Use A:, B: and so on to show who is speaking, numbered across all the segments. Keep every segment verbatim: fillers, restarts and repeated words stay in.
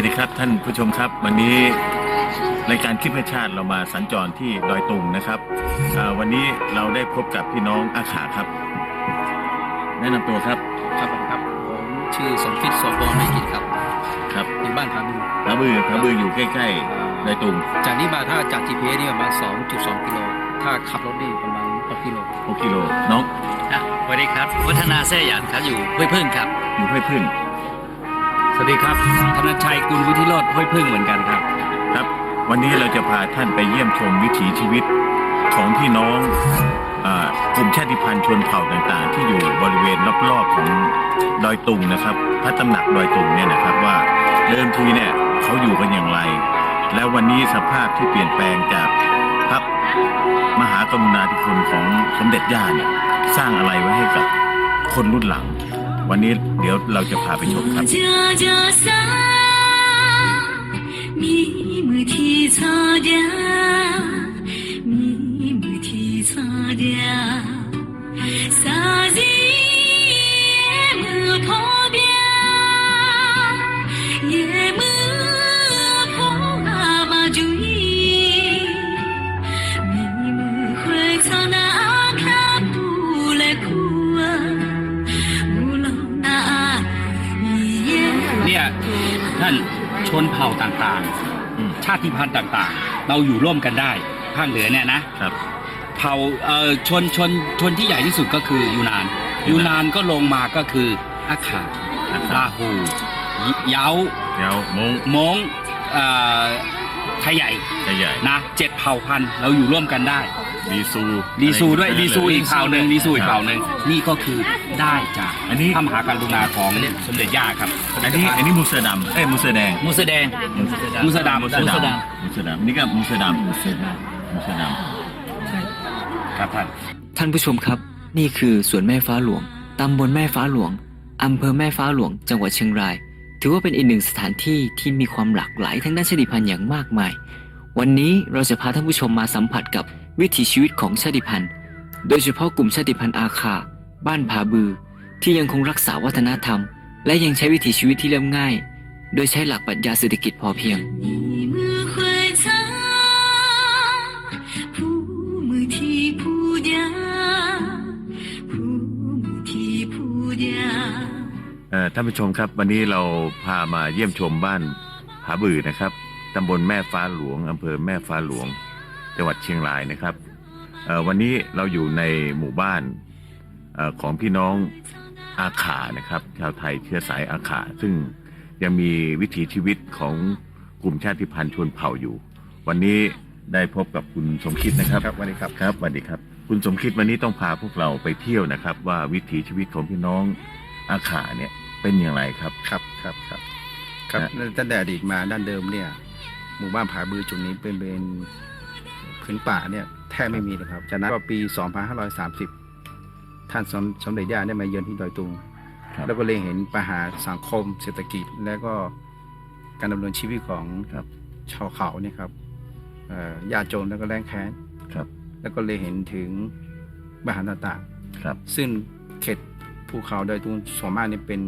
A: วัสดีครับท่านผู้ชมครับวันนี้รายการคิดเพื่อชาติเรามาสัญจรที่ดอยตุงนะครับวันนี้เราได้พบกับพี่น้องอาขาครับแนะนำตัวครับ
B: ครับผมครับผมชื่อสมคิดโสพลไม่กิจครับ
A: ครับ
B: อยู่บ้านผาบือ
A: ผาบือผาบืออยู่ใกล้ๆดอยตุง
B: จากนี้มาถ้าจาก จี พี เอส นี่ประมาณ สองจุดสอง กิโลถ้าขับรถนี่ประมาณหกกิโล
A: หกกิโลน้อง
C: สวัสดีครับวัฒนาแซ่หยานครับอยู่ห้วยพึ่งครับ
A: อยู่ห้วยพึ่ง
C: สวัสดีครับธนชัยกุลวุฒิโรจน์ห้วยพึ่งเหมือนกันครับ
A: ครับวันนี้เราจะพาท่านไปเยี่ยมชมวิถีชีวิตของพี่น้องกลุ่มชาติพันธุ์ชนเผ่าต่างๆที่อยู่บริเวณรอบๆของดอยตุงนะครับพระตำหนักดอยตุงเนี่ยนะครับว่าเดิมทีเนี่ยเขาอยู่กันอย่างไรแล้ววันนี้สภาพที่เปลี่ยนแปลงจากพระมหากรุณาธิคุณของสมเด็จย่าเนี่ยสร้างอะไรไว้ให้กับคนรุ่นหลังวันนี้เดี๋ยวเราจะพาไปชมครับ
C: ท่านชนเผ่าต่างๆชาติพันธุ์ต่างๆเราอยู่ร่วมกันได้ภาคเหนือเนี่ยนะครับเผ่าเอ่อชนชนชนที่ใหญ่ที่สุดก็คือยูนานยูนานก็ลงมาก็คืออาขาลาหูเยา
A: เยามง
C: มงเอ่อไทยใหญ่
A: ไทยใหญ่
C: นะเจ็ดเผ่าพันธุ์เราอยู่ร่วมกันได้
A: ดีซู
C: ดีซูด้วยดีซูอีกเผ่าหนึ่งดีซูอีกเผ่าหนึ่งนี่ก็คือได้จาก
A: อันนี้
C: พระมหากรุณาของสมเด็จย่าครับ
A: อันนี้อันนี้มูเสอดำเอ้ยมูเสอแดง
C: มูเสอแดงมูเสอดำ
A: มูเสอดำมูเสอดำนี่ก็มูเสอดำมูเสอดำมูเสอดำครับท่าน
D: ท่านผู้ชมครับนี่คือสวนแม่ฟ้าหลวงตำบลแม่ฟ้าหลวงอำเภอแม่ฟ้าหลวงจังหวัดเชียงรายถือว่าเป็นอีกหนึ่งสถานที่ที่มีความหลากหลายทางด้านชาติพันธุ์อย่างมากมายวันนี้เราจะพาท่านผู้ชมมาสัมผัสกับวิถีชีวิตของชาติพันธุ์โดยเฉพาะกลุ่มชาติพันธุ์อาคาบ้านผาบือที่ยังคงรักษาวัฒนธรรมและยังใช้วิถีชีวิตที่เรียบง่ายโดยใช้หลักปรัชญาเศรษฐกิจพอเพียง
A: ท่านผู้ชมครับวันนี้เราพามาเยี่ยมชมบ้านผาบือนะครับตำบลแม่ฟ้าหลวงอำเภอแม่ฟ้าหลวงจังหวัดเชียงรายนะครับวันนี้เราอยู่ในหมู่บ้านของพี่น้องอาขานะครับชาวไทยเชื้อสายอาขาซึ่งยังมีวิถีชีวิตของกลุ่มชาติพันธุ์ชนเผ่าอยู่วันนี้ได้พบกับคุณสมคิดนะครับ
B: ครับสวัสดีครับ
A: ครับสวัสดีครับคุณสมคิดวันนี้ต้องพาพวกเราไปเที่ยวนะครับว่าวิถีชีวิตของพี่น้องอาขาเนี่ยเป็นอย่างไรครับ
B: ครับครับครับครับตั้งแต่อดีตมาด้านเดิมเนี่ยหมู่บ้านผาบือจุดนี้เป็นเป็นพื้นป่าเนี่ยแทบไม่มีเลยครับจากนั้นก็ปีสองพันห้าร้อยสามสิบท่านสมเด็จย่าได้มาเยือนที่ดอยตุงแล้วก็เลยเห็นปัญหาสังคมเศรษฐกิจและก็การดำเนินชีวิตของชาวเขาเนี่ยครับยากจนแล้วก็แรงแค้นแล้วก็เลยเห็นถึงปัญหาต่างๆซึ่งเขตภูเขาดอยตุงส่วนมากนี่เป็น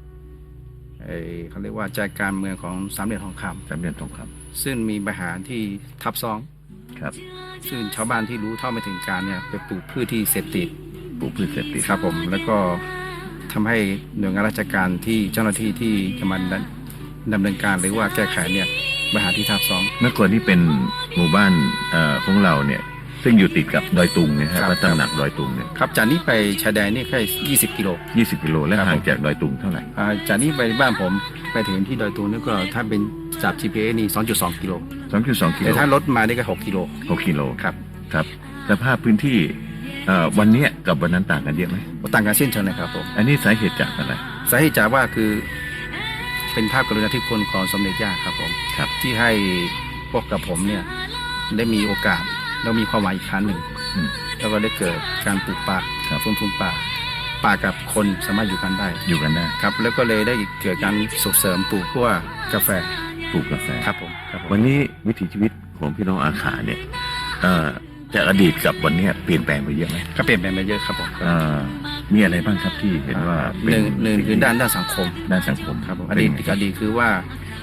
B: เขาเรียกว่าใจกลางเมืองของสามเหลี่ยมทองคำ
A: สามเหลี่ยมทองค
B: ำซึ่งมีปัญหาที่ทับซ้อน
A: ครับ
B: ซึ่งชาวบ้านที่รู้เท่าไม่ถึงการเนี่ยไปปลูกพืชที่เสพติด
A: ปลูกพืชเสพติด
B: ครับผมแล้วก็ทำให้หน่วยงานราชการที่เจ้าหน้าที่ที่จะมาดำเนินการหรือว่าแก้ไขเนี่ยปัญหาที่ทับซ้อน
A: เมื่อก่อนที่เป็นหมู่บ้านของเราเนี่ยซึ่งอยู่ติดกับดอยตุงนะครับวัดตำหนักดอยตุงเนี่ย
B: ครับจากนี้ไปชายแดนนี่แค่ยี่สิบกิโล
A: ยี่สิบกิโลและห่างจากดอยตุงเท่าไหร่
B: จากนี้ไปบ้านผมไปถึงที่ดอยตุงนี่ก็ถ้าเป็นจาก จี พี เอส นี่ สองจุดสอง กิโล
A: สองจุดสอง กิโล
B: แต่ถ้ารถมานี่ก็หกกิโล
A: หกกิโล
B: ครับ
A: ครับสภาพพื้นที่วันนี้กับวันนั้นต่างกันเยอะไหม
B: ต่างกันเช่นเช่นนะครับผม
A: อันนี้สาเหตุจากอะไร
B: สาเหตุจากว่าคือเป็นภาพกรุณาธิคุณของสมเด็จย่าครับผม
A: ครับ
B: ที่ให้พวกกับผมเนี่ยได้มีโอกาสแล้วมีความหวังอีกครั้งหนึ่งแล้วก็ได้เกิดการปลูกป่าฟื้นฟูป่าป่ากับคนสามารถอยู่กันได้
A: อยู่กันได้
B: ครับแล้วก็เลยได้เกิดการส่งเสริมปลูกพวกกาแฟ
A: ปลูกกาแฟ
B: ครับผม
A: วันนี้วิถีชีวิตของพี่น้องอาขาเนี่ยจากอดีตกับวันนี้เปลี่ยนแปลงไปเยอะไหม
B: ก็เปลี่ยนแปลงไปเยอะครับผม
A: มีอะไรบ้างครับที่เห็นว่า
B: หนึ่งหนึ่งคือด้านด้านสังคม
A: ด้านสังคม
B: ครับอดีตอดีตคือว่า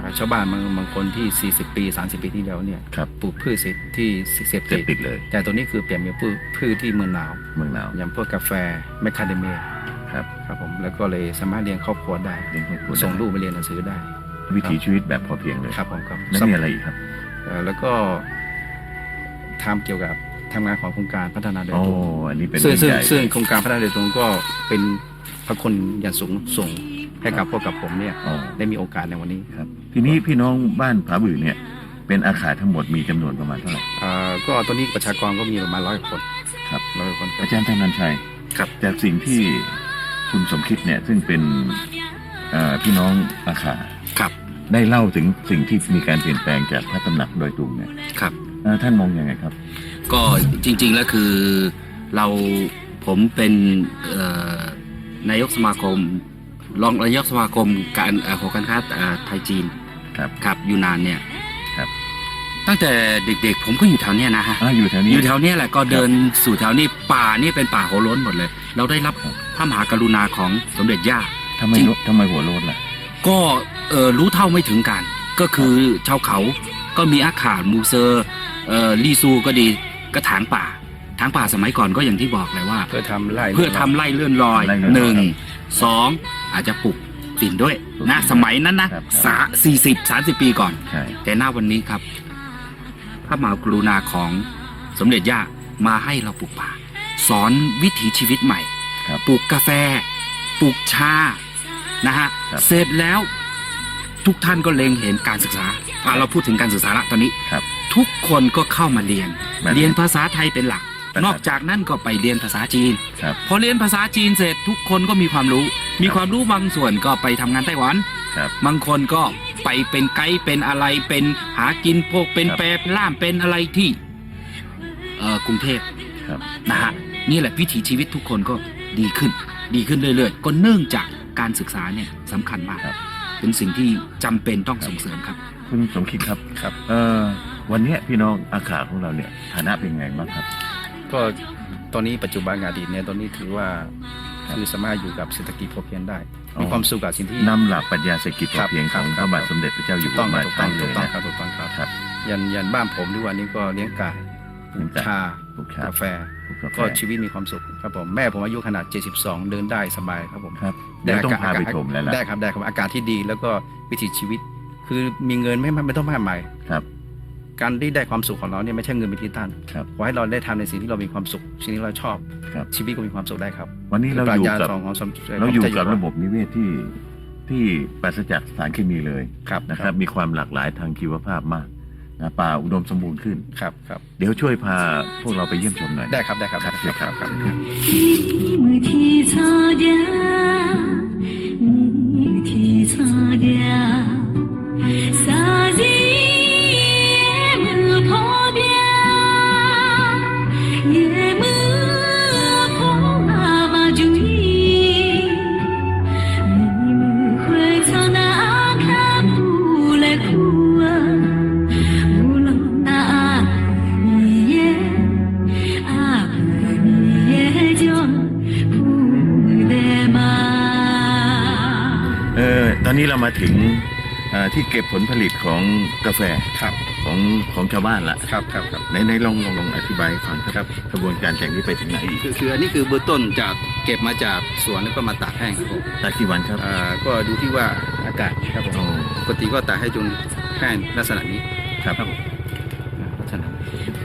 B: อ่าชาวบ้านบางบางคนที่สี่สิบปีสามสิบปีที่แล้วเนี่ย
A: ครับ
B: ปลูกพืชเสพที่เสพ
A: เสพติดเลย
B: แต่ตัวนี้คือเปลี่ยนเป็นพืชพืชที่เมืองหนาว
A: เมืองหนาว
B: อย่างพวกกาแฟแมคคาเดเมีย
A: ครับ
B: ครับผมแล้วก็เลยสามารถเลี้ยงครอบครัวได้
A: เลี้ยงครอบครัวได้
B: ส่งลูกไปเรียนหนังสือได้
A: วิถีชีวิตแบบพอเพียงเลย
B: ครับผมครับ
A: แล้วมีอะไรอีกครับ
B: เอ่อแล้วก็ทำเกี่ยวกับทำงานของโครงการพัฒนาโดย
A: โอ้
B: ตรง
A: อันนี้เป็น
B: ซึ่ง
A: เรื่อง
B: ซึ่ง
A: ใหญ่
B: ซึ่งโครงการพัฒนาโดยตรงก็เป็นพระคุณอย่างสูงส่งให้กับพวกกับผมเนี่ย
A: อ๋อ
B: ได้มีโอกาสในวันนี้
A: ครับ ทีนี้พี่น้องบ้านผาบือเนี่ย เป็นอาคารทั้งหมดมีจำนวนประมาณเท่าไหร่
B: เอ่อก็ตอนนี้ประชากรก็มีประมาณร้อยคน
A: ครับ
B: ร้อยคนครับ
A: อาจารย์ธนันชัย
B: ครับ
A: จากสิ่งที่คุณสมคิดเนี่ย ซึ่งเป็นเอ่อพี่น้องอาคา
B: ครับ
A: ได้เล่าถึงสิ่งที่มีการเปลี่ยนแปลงจากพระตำหนักดอยตุงเนี่ย
C: ครับ
A: เอ่อท่านมองยังไงครับ
C: ก็จริงๆแล้วคือเราผมเป็นเอ่อนายกสมาคมรองนายกสมาคมการเอ่อหอการค้าเอ่อไทยจีน
A: ครับ
C: ครับอยู่นานเนี่ย
A: ครับ
C: ตั้งแต่เด็กๆ ผมก็อยู่แถวเนี้ยนะฮะ
A: อ่าอยู่แถวนี้
C: อยู่แถวเนี้ยแหละก็เดินสู่แถวนี้ป่านี่เป็นป่าโหล้นหมดเลย เราได้รับ
A: ครับ
C: พระมหากรุณาของสมเด็จย่า
A: ทำไม
C: จริง
A: ทำไมหัวโลนล่ะ
C: ก็เออรู้เท่าไม่ถึงกัน ก็คือชาวเขาก็มีอาขามูเซอร์เอ่อลีซูก็ดีกระถางป่าถางป่าสมัยก่อนก็อย่างที่บอกเลยว่า
B: เพื่อทำไร่
C: เพื่อทำไล่เลื่อนลอย
A: ไล่เลื่อนลอย
C: หนึ่งสองอาจจะปลูกฝิ่นด้วยนะสมัยนั้นนะครับ สาสี่สิบสามสิบปีก่อน
A: ใช่
C: แต่หน้าวันนี้ครับ พระมหากรุณาของสมเด็จย่ามาให้เราปลูกป่า สอนวิถีชีวิตใหม่
A: ครับ
C: ปลูกกาแฟ ปลูกชานะฮะ
A: ครับ
C: เสร็จแล้วทุกท่านก็เล็งเห็นการศึกษาอ่ะเราพูดถึงการศึกษาละตอนนี้
A: ครับ
C: ทุกคนก็เข้ามาเรียน
A: มาเรียน
C: เรียนภาษาไทยเป็นหลัก
A: ครับ
C: นอกจากนั้นก็ไปเรียนภาษาจีน
A: ครับ
C: พอเรียนภาษาจีนเสร็จทุกคนก็มีความรู้ มีความรู้บางส่วนก็ไปทำงานไต้หวัน
A: ครับ
C: บางคนก็ไปเป็นไกด์เป็นอะไรเป็นหากินพวกเป็น
A: ครับ
C: แปรล่ามเป็นอะไรที่เอ่อกรุงเทพ
A: ครับ
C: นะฮะนี่แหละวิถีชีวิตทุกคนก็ดีขึ้น ดีขึ้นเรื่อยๆ ก็เนื่องจากการศึกษาเนี่ยสำคัญมาก
A: ครับ
C: เป็นสิ่งที่จำเป็นต้องส่งเสริมครับ
A: คุณสมคิดครับ
B: ครับ
A: เอ่อวันเนี้ยพี่น้องอาขาของเราเนี่ยฐานะเป็นไงบ้างครับ
B: ก็ตอนนี้ปัจจุบันกับอดีตเนี่ยตอนนี้ถือว่าคือสามารถอยู่กับเศรษฐกิจพอเพียงได้
A: อ๋อ
B: มีความสุขกับสิ่งที่
A: นำหลักปรัชญาเศรษฐกิจพอเพียง
B: ครั
A: ข
B: บ
A: อง
B: ค
A: พ
B: รับ
A: ระบาทสมเด็จพระเจ้าอยู่
B: ถูก
A: หั
B: ต้อ
A: ว
B: ง
A: มา
B: ถูก
A: ใช่
B: ต้อง
A: เล
B: ถู
A: ย
B: กต้อง
A: นะครับ
B: ถูกต้องครับ
A: ครับ
B: ยันยันบ้านผมทุกวันนี้ก็เลี้ยงไก่ปลูกชา
A: ปลูกชา
B: กาแฟ
A: ปลูกกาแฟ
B: ก็ชีวิตมีความสุขครับผมแม่ผมอายุขนาดเจ็ดสิบสองเดินได้สบายครับผม
A: ครับเดี๋ยวต้องพาไปชมแล้วล่ะ
B: ได้ครับได้ครับอากาศที่ดีแล้วก็วิถีชีวิต คือมีเงินไม่ไม่ไม่ต้องมากมาย
A: ครับ
B: การที่ได้ความสุขของเราเนี่ยไม่ใช่เงินเป็นที่ตั้ง
A: ครับ
B: ขอให้เราได้ทำในสิ่งที่เรามีความสุขสิ่งที่เราชอบ
A: ครับ
B: ชีวิตก็มีความสุขได้ครับ
A: วันนี้เราอยู่กับ
B: ปรัชญาของของสม
A: เราอยู่กับ
B: พ
A: ระบบนิเวศที่ที่ปราศจากสารเคมีเลย
B: ครับ
A: นะครับ มีความหลากหลายทางชีวภาพมากนะป่าอุดมสมบูรณ์ขึ้น
B: ครับครับ
A: เดี๋ยวช่วยพาพวกเราไปเยี่ยมชมหน่อย
B: ได้ครับได้ครับ
A: ครับ
B: ได้ครับ
A: ครับ
E: 你提擦掉，你提擦掉，啥子也没破掉，也没破阿巴主意，你们会朝那看不来哭啊，无论那你也啊你也就不得嘛。
A: เออตอนนี้เรามาถึงเอ่อที่เก็บผลผลิตของกาแฟ
B: ครับ
A: ของของชาวบ้านละ
B: ครับครับครับ
A: ในในลองลองลองอธิบายให้ฟังครับกระบวนการจากนี้ไปถึงไหนอีก
B: คือคืออันนี้คือเบื้องต้นจากเก็บมาจากสวนแล้วก็มาตากแห้งครับผม
A: ตากกี่วันครับ
B: อ่าก็ดูที่ว่าอากาศครับผม
A: โอ้
B: ปกติก็ตากให้จนแห้งลักษณะนี้
A: ครับ
B: ผมลักษณะนี้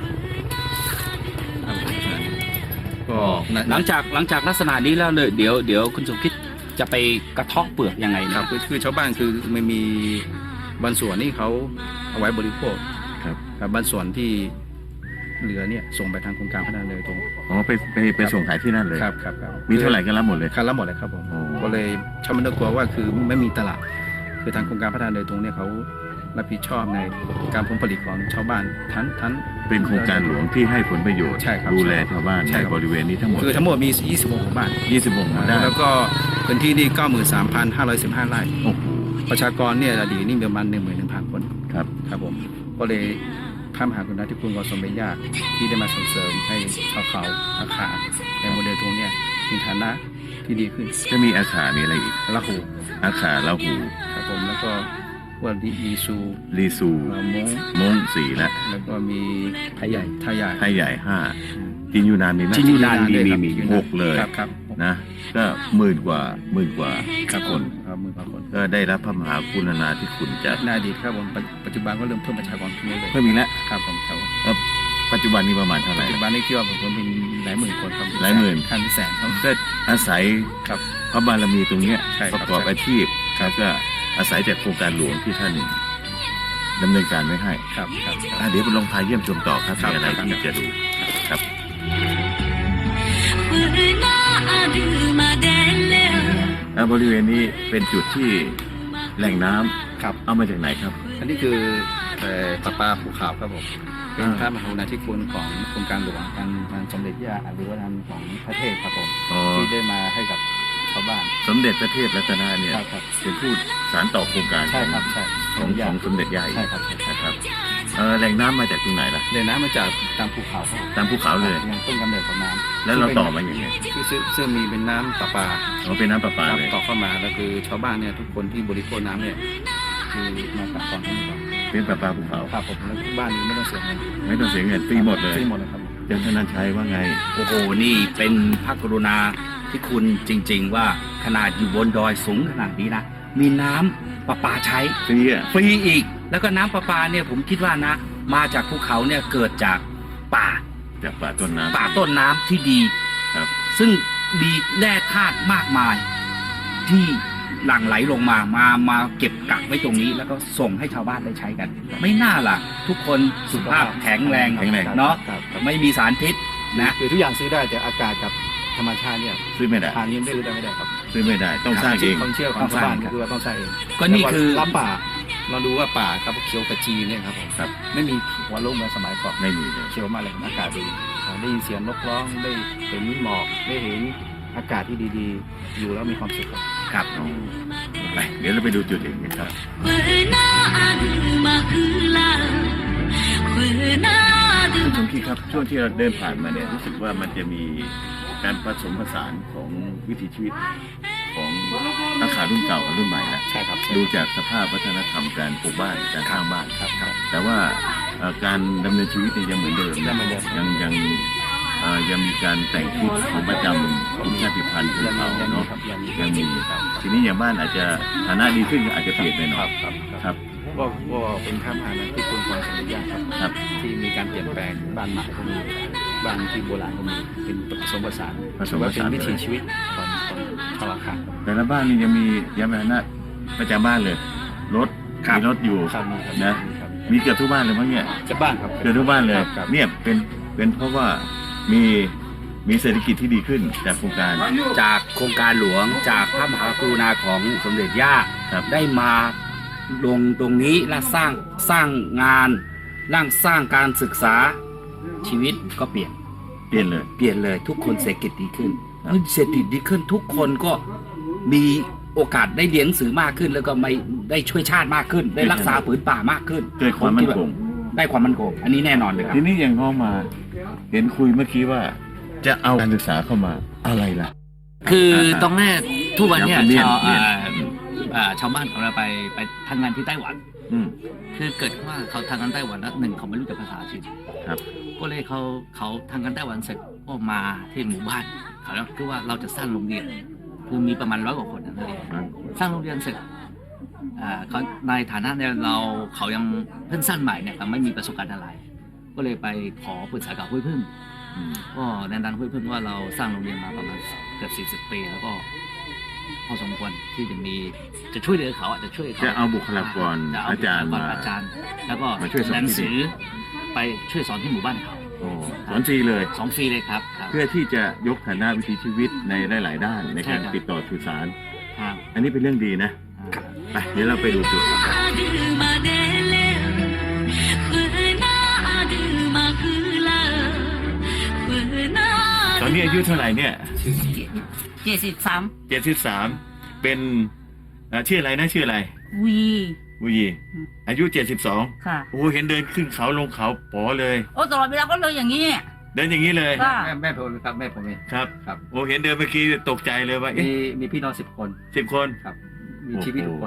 B: ครับผมลักษณะนี้ก็นะ
C: หลังจากหลังจากลักษณะนี้แล้วเลยเดี๋ยวเดี๋ยวคุณสมคิดจะไปกระเทาะเปลือกยังไง
B: ค
C: นะ
B: รับคือคือชาวบ้านคือไม่มีบางส่วนนี่เขาเอาไว้บริโภค
A: ครับ
B: กับบางส่วนที่เหลือเนี่ยส่งไปทางโครงการพัฒนาเลยตรง
A: อ๋อไปไปไปส่งขายที่นั่นเลย
B: ครับครับครับ
A: มีเท่าไหร่ก็รับหมดเลย
B: คันละหมดเลยครับผม
A: โอ้
B: ก็เลยชาวบ้านกลัวว่าคือไม่มีตลาด คือทางโครงการพัฒนาโดยตรงเนี่ยเขารับผิดชอบในการผลผลิตของชาวบ้านทั้งทั้ง
A: เป็นโครงการหลวงที่ให้ผลประโยชน์
B: ใช่ครับ
A: ดูแลชาวบ้าน
B: ใช่
A: ใน
B: ครับ
A: บริเวณนี้ทั้งหมด
B: คือทั้งหมดมียี่สิบหกหมู่บ้าน
A: ยี่สิบหกหมู่บ้าน
B: แล้วก็พื้นที่นี่ เก้าหมื่นสามพันห้าร้อยสิบห้า ไร่
A: โอ้โห
B: ประชากรเนี่ยอดีตนี่มีประมาณ หนึ่งหมื่นหนึ่งพัน คน
A: ครับ
B: ครับผมก็เลยพระมหากรุณาธิคุณของสมเด็จย่าที่ได้มาส่งเสริมให้ชาวเขาอาคาในโมเดลตรงเนี้ยมีฐานะที่ดีขึ้น
A: จะมีอาขามีอะไรอีก
B: ละหู
A: อาขาลาหู
B: ครับผมแล้วก็พวกลีลีซู
A: ลีซู
B: เอ่อมง
A: มงสี่แล้ว
B: แล้วก็มี
C: ไทยใหญ่
B: ไทยใหญ่
A: ไทยใหญ่ห้าจีนยูนานมีไหม
C: จีนยูนานมีมีมี
A: หกเลย
B: ครับครับ
A: นะก็หมื่นกว่าหมื่นกว่า
B: ครับ
A: คน
B: ครับหมือพาคน
A: ก็ได้รับพระมหากรุณาธิคุณจาก
B: ในอดีตครับผมปัจปัจจุบันก็เริ่มเพิ่มประชากรขึ้นเรื่อย
A: เพิ่มอีกแล้ว
B: ๆครับผมครับ
A: แล้วปัจจุบันนี้ประมาณเท่าไหร่
B: ปัจจุบันนี้คิดว่าผมเป็นหลายหมื่นคนครับ
A: หลายหมื่น
B: ขั้นแสนครับ
A: ก็อาศัย
B: ครับ
A: พระบารมีตรงเนี้ย
B: ใช่ค
A: ป
B: รับ
A: ระกอบอาชีพแล้วก็อาศัยจากโครงการหลวงที่ท่านดำเนินการไว้ให้
B: ครับครับ
A: อ่ะเดี๋ยวไปลองพาเยี่ยมชมต่อครับ
B: ครับ
A: มีอะไร
B: ครับ
A: ที่จะดูครับ อ่ะบริเวณนี้เป็นจุดที่แหล่งน้ำ
B: ครับ
A: เอามาจากไหนครับ
B: อันนี้คือเอ่อปลาปลาภูเขาครับผมเป็น
A: อ่า
B: พระมหากรุณาธิคุณของโครงการหลวงทางทางสมเด็จย่าหรือว่าทางของพระเทพครับผม
A: อ๋อ
B: ที่ได้มาให้กับชาวบ้าน
A: สมเด็จพระเทพรัตนาเนี่ย
B: ครับครับ
A: เป็นผู้สานต่อโครงการ
B: ใช่ครับใช่
A: ของของสมเด็จย่า
B: ใช่ครับใช่ครับ
A: นะครับเอ่อแหล่งน้ำมาจากตรงไหนล่ะ
B: เลยน้ำมาจากตามภูเขาครับ
A: ตามภูเขาเลย
B: อย่างต้นกำเนิดของน้ำ
A: แล้วเราต่อมาอย่างไง
B: คือซึ่งซึ่งมีเป็นน้ำประปา
A: อ๋อเป็นน้ำประปา
B: ครับ
A: เลย
B: ต่อเข้ามาแล้วคือชาวบ้านเนี่ยทุกคนที่บริโภคน้ำเนี่ยคือมาจากก่อนทั้งหมด
A: เป็นประปาภูเขา
B: ครับผมแล้วทุกบ้านนี้ไม่ต้องเสียเงิน
A: ไม่ต้องเสียเงินฟรีหมดเลย
B: ฟรีหมดเลยครับผม
A: เจ้าธนันชัยว่าไง
C: โอ้โห นี่เป็นพระกรุณาที่คุณจริง ๆ ว่าขนาดอยู่บนดอยสูงขนาดนี้นะ มีน้ำประปาใช้
A: ฟรีอ่ะ
C: ฟรีอีก แล้วก็น้ำประปาเนี่ยผมคิดว่านะ มาจากภูเขาเนี่ยเกิดจากป่า
A: จากป่าต้นน้ำ
C: ป่าต้นน้ำที่ดี
A: ครับ
C: ซึ่งมีแร่ธาตุมากมาย ที่หลั่งไหลลงมามามาเก็บกักไว้ตรงนี้ แล้วก็ส่งให้ชาวบ้านได้ใช้กัน ไม่น่าล่ะ ทุกคนสุขภาพแข็งแรง
A: แข็งแรง
C: เนาะ
B: ครับครับ
C: ไม่มีสารพิษนะ
B: คือทุกอย่างซื้อได้แต่อากาศกับธรรมชาติเนี่ย
A: ซื้อไม่ได้
B: ทานนี้ไม่ซื้อได้ไม่ได้ครับ
A: ซื้อไม่ได้ต้องสร้างเอง
B: ความเชื่อของชาวบ้านก็คือว่าต้องสร้างเอง
C: ก็นี่คือ
B: รับป่า เราดูว่าป่าครับเขียวกระจีเนี่ยครับผม
A: ครับ
B: ไม่มีหัวโล่งเหมือนสมัยก่อน
A: ไม่มีเลย
B: เขียวมากเลยครับอากาศดีอ่าได้ยินเสียงนกร้องได้เห็นหมอกได้เห็นอากาศที่ดีๆ อยู่แล้วมีความสุขครับ
C: ครับ
A: ไปเดี๋ยวเราไปดูจุดอื่นกันครับ คุณชมคิดครับช่วงที่เราเดินผ่านมาเนี่ยรู้สึกว่ามันจะมีการผสมผสานของวิถีชีวิตของนักข่าวรุ่นเก่ากับรุ่นใหม่แล้ว
B: ใช่ครับ
A: ดูจากสภาพวัฒนธรรมการปลูกบ้านการสร้างบ้าน
B: ครับครับ
A: แต่ว่าเอ่อการดำเนินชีวิตเนี่ยยังเหมือนเดิม
B: ยั
A: นะ
B: งเหมือนเดิม
A: ยังยังเอ่อยังมีการแต่งชุดของประจำกลุ่มชาติพันธุ์ชนเผ่า
B: ยังมี
A: เนาะ
B: ครับยังมี
A: ยังมี
B: ครับ
A: ทีนี้อย่างบ้านอาจจะฐานะดีขึ้นอาจจะเปลี่ยนไปหน่
B: ค
A: อ
B: รั
A: ย
B: บครับ
A: ครับ
B: ว่าว่าเป็นพระมหากรุณาธิคุณของสมเด็จย่าครับ
A: ครับ
B: ที่มีการเปลี่ยนแปลงบ้านใหม่ก็มีบ้านที่โบราณก็มีเป็นผสมผสาน
A: ผสมผสาน
B: ว่าเป็นวิถีชีวิตของของชาวอาคา
A: แต่ละบ้านนี่ยังมียานพาหนะประจำบ้านเลย รถ
C: ครับ
A: มีรถอยู่
B: ครับมีครับ
A: นะ
B: มีครับ
A: มีเกือบทุกบ้านเลยมั้งเนี่ย
B: จะบ้านครับ
A: เกือบทุกบ้านเลย
B: ครับครับ
A: เนี่ยเป็นเป็นเพราะว่ามีมีเศรษฐกิจที่ดีขึ้นจากโครงการ
C: จากโครงการหลวงจากพระมหากรุณาของสมเด็จย่า
A: ครับ
C: ได้มาลงตรงนี้และสร้างสร้างงานร่างสร้างการศึกษาชีวิตก็เปลี่ยน
A: เปลี่ยนเลย
C: เปลี่ยนเลยทุกคนเศรษฐกิจดีขึ้น
A: ครับ
C: เมื่อเศรษฐกิจดีขึ้นทุกคนก็มีโอกาสได้เรียนหนังสือมากขึ้น แล้วก็ไม่ได้ช่วยชาติมากขึ้น ได้รักษาผืนป่ามากขึ้น
A: เกิดความมั่นคง
C: ได้ความมั่นคงอันนี้แน่นอนเลยครับ
A: ทีนี้อย่างน้องมา เห็นคุยเมื่อกี้ว่า จะเอาการศึกษาเข้ามาอะไรล่ะ
D: คือตรงแรกทุกวันเนี่ย
A: เรียน
D: ชาว
A: เรียน
D: อ่าอ่าชาวบ้านของเราไปไปทำงานที่ไต้หวัน
A: อืม
D: คือเกิดว่าเขาทำงานไต้หวันแล้วหนึ่งเขาไม่รู้จักภาษาจีน
A: ครับ
D: ก็เลยเขาเขาทำงานไต้หวันเสร็จก็มาที่หมู่บ้านเขาแล้วคือว่าเราจะสร้างโรงเรียน คือมีประมาณร้อยกว่าคนนั่นเอง
A: อืม
D: สร้างโรงเรียนเสร็จอ่าเขาในฐานะเนี่ยเราเขายังเพิ่งสร้างใหม่เนี่ยเขาไม่มีประสบการณ์อะไร ก็เลยไปขอปรึกษากับห้วยพึ่ง
A: อืม
D: ก็แนะนำห้วยพึ่งว่าเราสร้างโรงเรียนมาประมาณเกือบสี่สิบปี แล้วก็พอสมควรที่จะมีจะช่วยเหลือเขาอ่ะจะช่วยเขา
A: จะเอาบุคลากร
D: จะเ
A: อาจารย์
D: บุค
A: มา
D: ลกอาจารย์ แล้วก็
A: มาช่วยสอน
D: หนัง
A: ที่
D: สื
A: นี่
D: อไปช่วยสอนที่หมู่บ้านเขา
A: โอ้สอนฟรีเลย
D: สองฟรีเลยครับครับ
A: เพื่อที่จะยกฐานะวิถีชีวิตในหลาย ๆ ด้านในการ
D: ใช่ครับ
A: ติดต่อสื่อสาร
D: ครับ
A: อันนี้เป็นเรื่องดีนะไปเดี๋ยวเราไปดูจุดกันครับตอนนี้อายุเท่าไหร่เนี่ย
F: เจ็ดสิบสาม
A: เจ็ดสิบสามเป็นเอ่อชื่ออะไรนะชื่ออะไร
F: วี
A: วุยีอายุเจ็ดสิบสอง
F: ค่ะ
A: โอ้เห็นเดินขึ้นเขาลงเขาป๋อเลย
F: โอ้ตลอดเวลาก็เลยอย่างนี้
A: เดินอย่างนี้เลย
F: ค่ะ
B: แม่แม่ผมครับแม่ผมเอง
A: ครับ
B: ครับ
A: โอ้เห็นเดินเมื่อกี้ตกใจเลยว่า
B: มี
A: เอ๊ะ
B: มีพี่น้องสิบคน
A: สิบคน
B: ครับ มีชีวิตทุกคน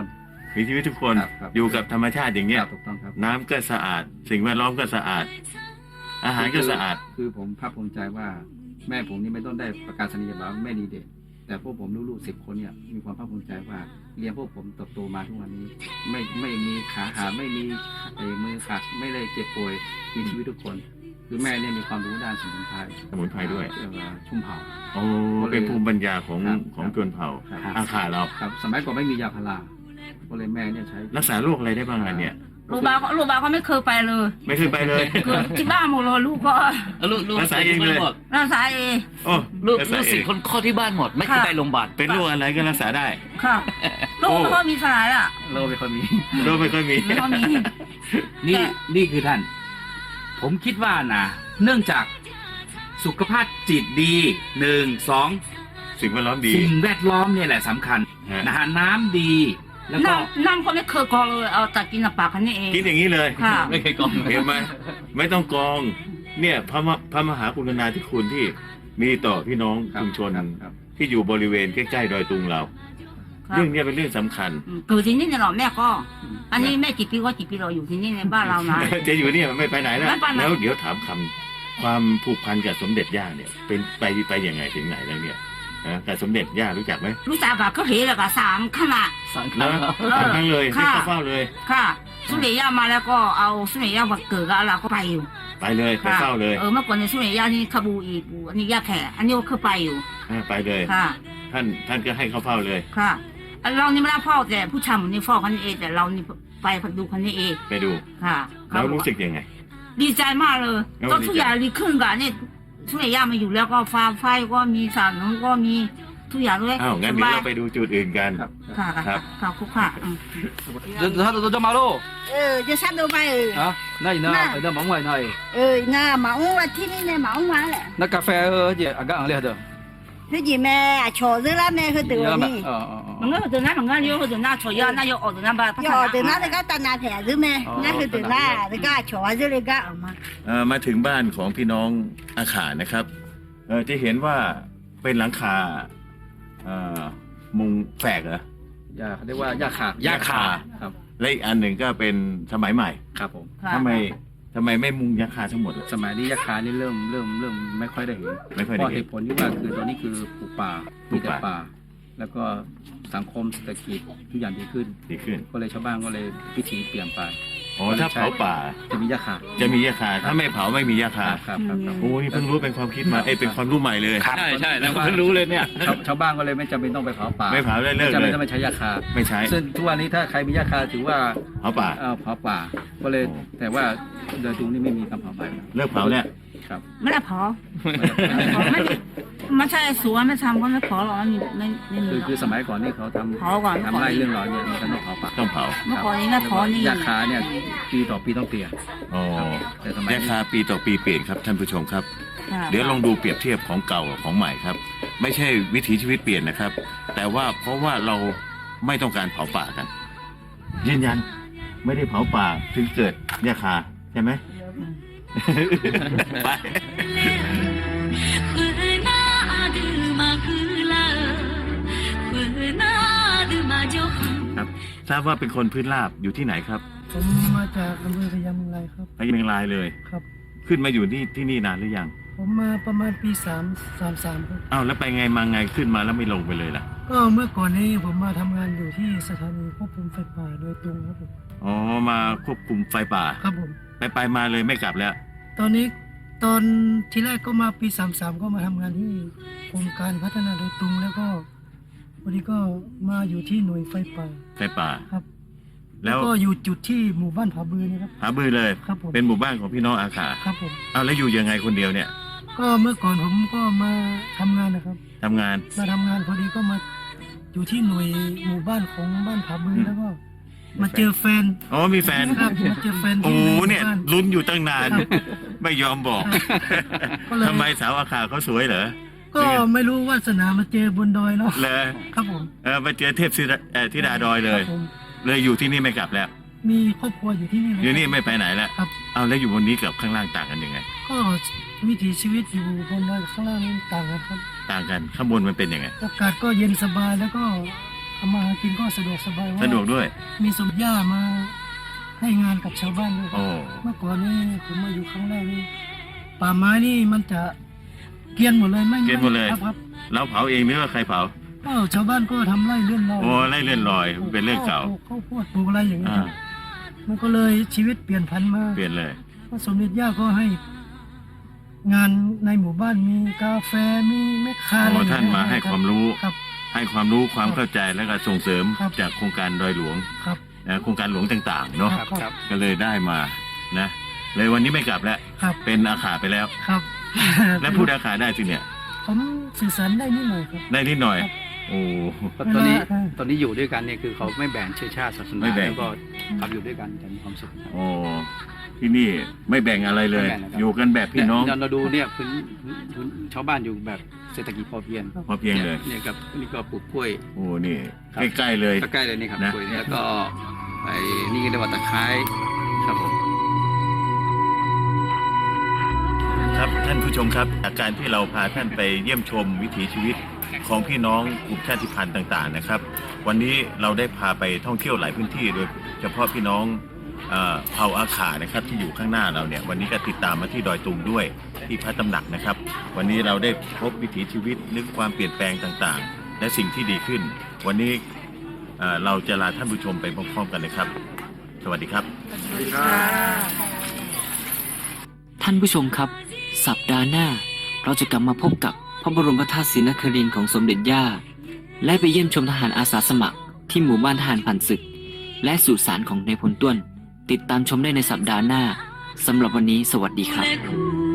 A: มีชีวิตทุกคน
B: ครับครับ
A: อยู่กับธรรมชาติอย่างเงี้
B: ค
A: ย
B: รับถูกต้องครับ
A: น้ำก็สะอาด สิ่งแวดล้อมก็สะอาด อาหารก็สะอาด
B: คือผมภาคภูมิใจว่าแม่ผมนี่ไม่ต้องได้ประกาศนียบัตรแม่ดีเด่นแต่พวกผมลูกๆสิบคนเนี่ยมีความภาคภูมิใจว่าเลี้ยงพวกผมเติบโตมาทุกวันนี้ ไม่ไม่มีขาหักไม่มีเอ่อมือขาดไม่ได้เจ็บป่วยมีชีวิตทุกคน คือแม่เนี่ยมีความรู้ด้านสมุนไพร
A: สมุนไพรด้วย
B: เอ่อชุ่มเผา
A: โอ้เป็นภูมิปัญญาของ
B: ครับ
A: ของชนเผ่า
B: ครับ
A: อาขาเรา
B: ครับสมัยก่อนไม่มียาพาราก็เลยแม่เนี่ยใช้
A: รักษาโรคอะไรได้บ้างอ่ะเนี่ย
F: ลูกบาก็ลูกบาก็ไม่เคยไปเลย
A: ไม่เคยไปเลย
F: คือที่บ้านหมดเลยลูกก็
C: ลูกลูก
A: รักษาเองเลย
C: หมด
F: รักษาเอง
A: โอ้
C: ลูก
A: รัษา
C: ลูกศิษย์คนข้อที่บ้านหมด ไม่เคย
F: ค่ะ
C: ไปโรงพยาบาล
A: เป็นโรคอะไรก็รักษาได้
F: ค่ะลูกก็มีสลายอ่ะ
B: โลไม่ค่อยมี
A: โรคไม่ค่อยมี
F: ไม่ค่อยมี
C: นี่
F: แต่
C: นี่คือท่าน ผมคิดว่านะเนื่องจากสุขภาพจิตดีหนึ่งสอง
A: สิ่งแวดล้อมดี
C: สิ่งแวดล้อมเนี่ยแหละสำคัญ
A: ฮะ
C: นะฮะน้ำดี แล้วก็
F: น้ำน้ำก็ไม่เคยกรองเลยเอาแต่กินน้ำปลาคันนี้เอง
A: กินอย่างนี้เลย
F: ค่ะ
C: ไม่เคยกอง
A: เห็นไหมไม่ต้องกรอง เนี่ยพระมพระมหากรุณาธิคุณที่มีต่อพี่น้อง
B: ครับ
A: ชุมชน
B: ครับครับ
A: ที่อยู่บริเวณใกล้ๆดอยตุงเรา
F: ครับ
A: เรื่องเนี้ยเป็นเรื่องสำคัญ
F: อืมเกิดที่นี่เนี่ยเหรอแม่ก็ อันนี้แม่กี่ปีก็กี่ปีเราอยู่ที่นี่ในบ้านเรานะ
A: จะอยู่เนี่ยไม่ไปไหนแล้ว
F: ไม่ไปไหน
A: แล้วเดี๋ยวถามคำความผูกพันกับสมเด็จย่าเนี่ย เป็นไปไปยังไงถึงไหนแล้วเนี่ยนะกับสมเด็จย่ารู้จักไหม
F: รู้จักกับก็เห็นแล้วก็สามขนาด
C: สังขาร
A: นะสำคัญเลยให้
F: ค่ะ
A: เข้าเฝ้าเลย
F: ค่ะสุริยามาแล้วก็เอาสุริยามาเกิดกับเราก็ไปอยู่
A: ไปเลยไป
F: ค่ะ
A: เฝ้าเลย
F: เออเมื่อก่อนในสุริยานี่ขบูอีกอันนี้ยาแขกอันนี้ก็เคยไปอยู่
A: อ่าไปเลย
F: ค่ะ
A: ท่านท่านก็ให้เข้าเฝ้าเลย
F: ค่ะอันเรานี่ไม่ได้เฝ้าแต่ผู้ชายมันนี่เฝ้าคันนี้เองแต่เรานี่ไปดูคันนี้เอง
A: ไปดู
F: ค่ะ
A: แล้วรู้สึกยังไง
F: ดีใจมากเลย
A: แล้ว
F: ก็
A: ดีใจ
F: ทุกอย่างดีขึ้นกับนี่สุริยามาอยู่แล้วก็ฟ้าไฟก็มีสารน้ำก็มีทุกอย่างด้วย
A: อ้าวงั้นเดี๋ยวเราไปดูจุดอื่นกัน
B: ครับ
F: ค่ะ
A: ครั
F: ค่ะ
A: บ
F: ค่ะคุกค่ะอืม
C: เดี๋ยวถ้าเราจะมาโล
G: เออจะซัดดูไปเออ
C: ฮะนั่นนะ
G: น่ะ
C: เดี๋ยวมองไว้หน่อย
G: เออน่าหมาอุ้งว่าที่นี่เนี่ยหมาอุ้งมาแหละ
C: นักกาแฟเออเดี๋ยวอ่ะก็อ่างเลยเด้อ
G: คือจีแม่โฉดซื้อแล้วแม่คือตัวนี่
C: อ๋ออ๋อ
F: มันก็ตัวนั้นมันก็เลี้ยวตัวนั้นถั่วยาน่าจะออกตัวนั้นบ้าง
G: โฉดตัวนั้นแล้วก็ตันนาแผลซื้อแม่นั่นคือตัวหน้าแล้วก็โฉดซื้อเลยก็ออกมา
A: เอ่อมาถึงบ้านของพี่น้องอาขานะครับเอ่อจะเห็นว่าเป็นหลังคาเอ่อมุงแฝกเหรอย
B: าเขาเรียกว่ายาขา
C: ยาขา
B: ครับ
A: และอีกอันหนึ่งก็เป็นสมัยใหม่
B: ครับผม
A: ทำไมทำไมไม่มุงยาคาทั้งหมดล่ะ
B: สมัยนี้ยาคานี่เริ่มเริ่มเริ่มไม่ค่อยได้เห็น
A: ไม่ค่อย
B: เพ
A: ได้
B: ราะเห
A: เห็น
B: ตุผลที่ว่าคือตอนนี้คือปลูกป่า
A: ปลู
B: มี
A: ก
B: แต่
A: ป่า
B: ป่า แล้วก็สังคมเศรษฐกิจทุกอย่างดีขึ้น
A: ดีขึ้น
B: ก็เลยชาวบ้านก็เลยพิถีเปลี่ยนไป
A: อ๋อถ้าเผาป่า
B: จะมียาคา
A: จะมียาคาถ้าไม่เผาไม่มียา
B: ค
A: คา
B: รับครับครับครับ
A: โอ้นี่เพิ่งรู้เป็นความคิดมาเอ้ยเป็นความรู้ใหม่เลย
C: ใช่ใช่แล้วเพิ่งรู้เลยเนี่ย
B: ชาวชาวบ้านก็เลยไม่จำเป็นต้องไปเผาป่า
A: ไม่เผาได้เลิก
B: ไม่จำ
A: เล
B: เป็น
A: ย
B: ต้องไปใช้ยาคา
A: ไม่ใช้
B: ซึ่งทุกวันนี้ถ้าใครมียาคาถือว่า
A: เผาป่า
B: เอ่อเผาป่า ก็เลย
A: โอ้
B: แต่ว่าโดยตรงนี้ไม่มีการเผาป่า
A: เลิกเผาเนี่ย
B: ครับ
F: ไม่ได้เผาไม่เผาไม่ได้ไม่ใช่สวนไม่ทำก็ไม่เผาหรอกไม่ไม่ไม่มี
B: คือ
F: หรอก
B: คือสมัยก่อนนี่เขาทำ
F: เผาก่อน
B: ทำไร่เรื่องร้อยเนี่ยมันก็ต้องเผาป่า
A: ต้องเผา
F: เมื่อก่อนนี้ไม่เผานี่
B: ยาคาเนี่ยปีต่อปีต้องเปลี่ยน
A: อ๋อ
B: แต่สมัย
A: ยาคาปีต่อปีเปลี่ยนครับท่านผู้ชมครับ
F: ค่ะ
A: เดี๋ยวลองดูเปรียบเทียบของเก่ากับของใหม่ครับ ไม่ใช่วิถีชีวิตเปลี่ยนนะครับ แต่ว่าเพราะว่าเราไม่ต้องการเผาป่ากัน ยืนยันไม่ได้เผาป่าถึงเกิดยาคาใช่ไหม ไป ครับทราบว่าเป็นคนพื้นราบอยู่ที่ไหนครับ
H: ผมมาจากอำเภอพะยาเมืองไรครับ
A: ไปเชียงรายเลย
H: ครับ
A: ขึ้นมาอยู่ที่ที่นี่นานหรือยัง
H: ผมมาประมาณปีสามสามสามครับ
A: อ้าวแล้วไปไงมาไงขึ้นมาแล้วไม่ลงไปเลยล่ะ
H: ก็เมื่อก่อนนี้ผมมาทำงานอยู่ที่สถานีควบคุมไฟป่าโดยตรงครับผม
A: อ๋อมาควบคุมไฟป่า
H: ครับผม
A: ไปไปมาเลยไม่กลับแล้ว
H: ตอนนี้ตอนที่แรกก็มาปีสามสามก็มาทำงานที่กรมการพัฒนาโดยตรงแล้วก็วันนี้ก็มาอยู่ที่หน่วยไฟป่า
A: ไฟป่า
H: ครับ
A: แล้ว
H: ก็อยู่จุดที่หมู่บ้านผาบือนี่ครับ
A: หาบือเลย
H: ครับผม
A: เป็นหมู่บ้านของพี่น้องอาขา
H: ครับผม
A: เอาแล้วอยู่ยังไงคนเดียวเนี่ย
H: ก็เมื่อก่อนผมก็มาทำงานนะครับ
A: ทำงาน
H: มาทำงานพอดีก็มาอยู่ที่หน่วยหมู่บ้านของบ้านผาบือแล้วก็ มาเจอแฟน
A: อ๋อมีแฟน
H: ครับมาเจอแฟน
A: โอ้
H: ที่
A: โห
H: หมู่
A: เนี่ย
H: บ้าน
A: ลุ้นอยู่ตั้งนาน
H: ครับ
A: ไม่ยอมบอก
H: ก็เลย
A: ทำไมสาวอาขาเขาสวยเหรอ
H: ก็ไม่รู้วาสนามาเจอบนดอยเนาะ
A: เลย
H: ครับผม
A: เออมาเจอเทพธิดาเอ่อธิดาดอยเล
H: ครั
A: ย
H: บผม
A: เลยอยู่ที่นี่ไม่กลับแล้ว
H: มีครอบครัวอยู่ที่นี่เลย
A: อยู่นี่ไม่ไปไหนแล้ว
H: ครับ
A: เอาแล้วอยู่บนนี้กับข้างล่างต่างกันยังไง
H: ก็วิถีชีวิตอยู่บนดอยกับข้างล่างนี่ต่างกันครับ
A: ต่างกันข้างบนมันเป็นยังไง
H: อากาศก็เย็นสบายแล้วก็ทำมาหากินก็สะดวกสบายว่า
A: สะดวกด้วย
H: มีสมย่ามาให้งานกับชาวบ้านด้วย
A: โอ้
H: เมื่อก่อนนี่ผมมาอยู่ครั้งแรกนี่ป่าไม้นี่มันจะเกรียนหมดเลยไม่
A: เกรียนหมดเลย
H: ครับครับ
A: แล้วเผาเองหรือว่าใครเผา
H: ก็ชาวบ้านก็ทำไร่เลื่อนลอย
A: โอ้ไร่เลื่อนลอยเป็นเรื่องเก่า
H: ปลูข้าวโพดปลูกอะไรอย่างเงี้ย
A: อ่า
H: ครับมันก็เลยชีวิตเปลี่ยนพันมา
A: เปลี่ยนเลย
H: พระสมเด็จย่าก็ให้ งานในหมู่บ้านมีกาแฟมีแม่ค้าอะไร
A: โอ้
H: อย่ง
A: ท่าน
H: เงี้ย
A: มาให้ความรู้
H: ครับ
A: ให้ความรู้ความเข้าใจแล้วก็ส่งเสริม
H: ครับ
A: จากโครงการดอยหลวง
H: ครับ
A: นะโครงการหลวงต่างๆเนาะ
B: ครับครับ
A: ก็เลยได้มานะ เลยวันนี้ไม่กลับแล้ว
H: ครับ
A: เป็นอาขาไปแล้ว
H: ครับ
A: และพูดอาขาได้สิเนี่ย
H: ผมสื่อสารได้นิดหน่อยครับ
A: ได้นิดหน่อย
H: ครับ
A: โอ้
B: ตอนนี้
H: เวลา
B: ตอนนี้อยู่ด้วยกันเนี่ยคือเขาไม่แบ่งเชื้อชาติศาส
A: ไม่
B: นา
A: แบ่ง
B: แล้วก็ทำอยู่ด้วยกันแต่มีความสุขครับ
A: โอ้ที่นี่ไม่แบ่งอะไรเลย
B: ไม่แบ่งนะครับ
A: อยู่กันแบบพี่น้อง
B: เยเราดูเนี่ยพื้นพื้นพื้นชาวบ้านอยู่แบบเศรษฐกิจพอเพียง
A: พอเพียงเลย
B: เนี่ยครับนี่ก็ปลูกกล้วย
A: โอ้นี่
B: ครับ
A: ใกล้ๆเลย
B: ใกล้ๆเลยนี่ครับ
A: นะ
B: กล้วยแล้วก็ไอ้นี่เรียกว่าตะไคร้ครับผม
A: ครับท่านผู้ชมครับจากการที่เราพาท่านไปเยี่ยมชมวิถีชีวิตของพี่น้องกลุ่มชาติพันธุ์ต่างๆนะครับ วันนี้เราได้พาไปท่องเที่ยวหลายพื้นที่โดยเฉพาะพี่น้องเอ่อเผ่าอาขานะครับที่อยู่ข้างหน้าเราเนี่ยวันนี้ก็ติดตามมาที่ดอยตุงด้วยที่พระตำหนักนะครับ วันนี้เราได้พบวิถีชีวิตนึกความเปลี่ยนแปลงต่างๆ และสิ่งที่ดีขึ้น วันนี้เอ่อเราจะลาท่านผู้ชมไปพร้อมๆกันเลยครับ สวัสดีครับ
D: ท่านผู้ชมครับ สัปดาห์หน้า เราจะกลับมาพบกับพระบรมธาตุศรีนครินทร์ของสมเด็จย่า และไปเยี่ยมชมทหารอาสาสมัครที่หมู่บ้านทหารผ่านศึก และสุสานของนายพลต้วน ติดตามชมได้ในสัปดาห์หน้าสำหรับวันนี้สวัสดีครับ
E: และคู่